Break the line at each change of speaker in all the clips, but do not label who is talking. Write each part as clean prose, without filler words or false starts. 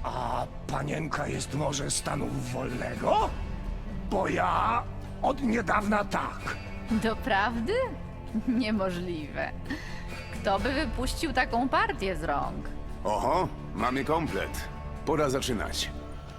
A panienka jest może stanu wolnego? Bo ja od niedawna tak.
Doprawdy? Niemożliwe. Kto by wypuścił taką partię z rąk?
Oho, mamy komplet. Pora zaczynać.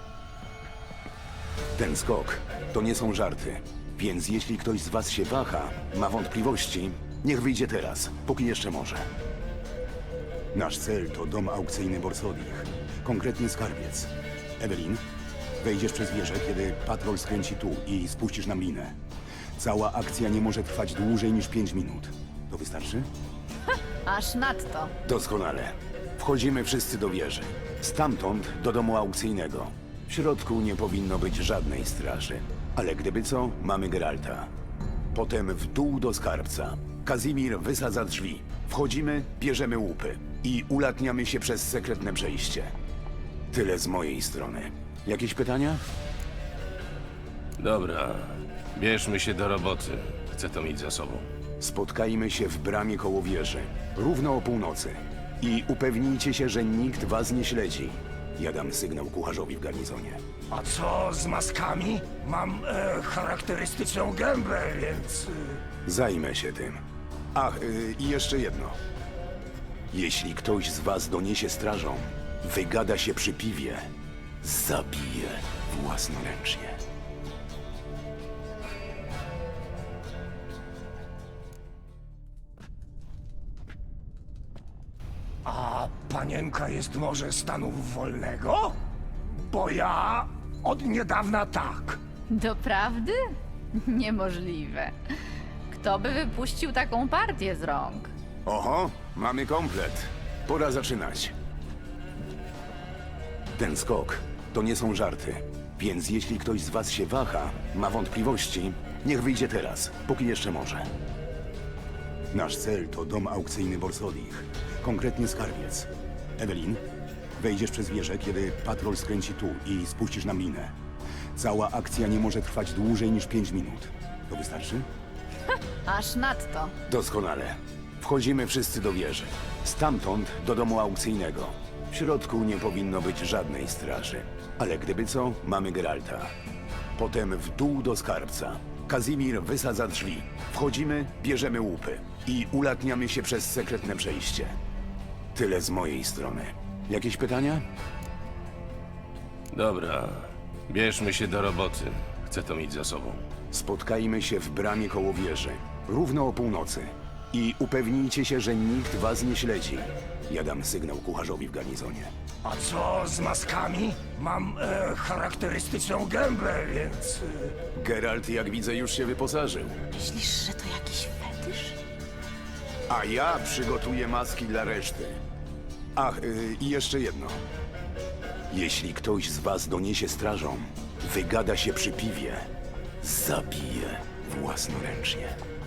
Ten skok to nie są żarty, więc jeśli ktoś z was się waha, ma wątpliwości, niech wyjdzie teraz, póki jeszcze może. Nasz cel to dom aukcyjny Borsodich, konkretnie skarbiec. Ewelin, wejdziesz przez wieżę, kiedy patrol skręci tu i spuścisz nam linę. Cała akcja nie może trwać dłużej niż 5 minut. To wystarczy?
Aż nadto.
Doskonale. Wchodzimy wszyscy do wieży. Stamtąd do domu aukcyjnego. W środku nie powinno być żadnej straży. Ale gdyby co, mamy Geralta. Potem w dół do skarbca. Kazimir wysadza drzwi. Wchodzimy, bierzemy łupy i ulatniamy się przez sekretne przejście. Tyle z mojej strony. Jakieś pytania?
Dobra, bierzmy się do roboty. Chcę to mieć za sobą.
Spotkajmy się w bramie koło wieży, równo o północy. I upewnijcie się, że nikt was nie śledzi. Ja dam sygnał kucharzowi w garnizonie.
A co z maskami? Mam charakterystyczną gębę, więc...
Zajmę się tym. Ach, i jeszcze jedno. Jeśli ktoś z was doniesie strażą, wygada się przy piwie, zabije własnoręcznie.
A panienka jest może stanu wolnego? Bo ja od niedawna tak.
Doprawdy? Niemożliwe. Kto by wypuścił taką partię z rąk?
Oho, mamy komplet. Pora zaczynać. Ten skok to nie są żarty, więc jeśli ktoś z was się waha, ma wątpliwości, niech wyjdzie teraz, póki jeszcze może. Nasz cel to dom aukcyjny Borsodich, konkretnie skarbiec. Ewelin, wejdziesz przez wieżę, kiedy patrol skręci tu i spuścisz nam linę. Cała akcja nie może trwać dłużej niż 5 minut. To wystarczy?
Aż nadto.
Doskonale. Wchodzimy wszyscy do wieży. Stamtąd do domu aukcyjnego. W środku nie powinno być żadnej straży. Ale gdyby co, mamy Geralta. Potem w dół do skarbca. Kazimir wysadza drzwi. Wchodzimy, bierzemy łupy i ulatniamy się przez sekretne przejście. Tyle z mojej strony. Jakieś pytania?
Dobra, bierzmy się do roboty. Chcę to mieć za sobą.
Spotkajmy się w bramie koło wieży, równo o północy. I upewnijcie się, że nikt was nie śledzi. Ja dam sygnał kucharzowi w garnizonie.
A co z maskami? Mam charakterystyczną gębę, więc...
Geralt, jak widzę, już się wyposażył.
Myślisz, że to jakiś fetysz?
A ja przygotuję maski dla reszty. Ach, i jeszcze jedno. Jeśli ktoś z was doniesie strażą, wygada się przy piwie, zabije własnoręcznie.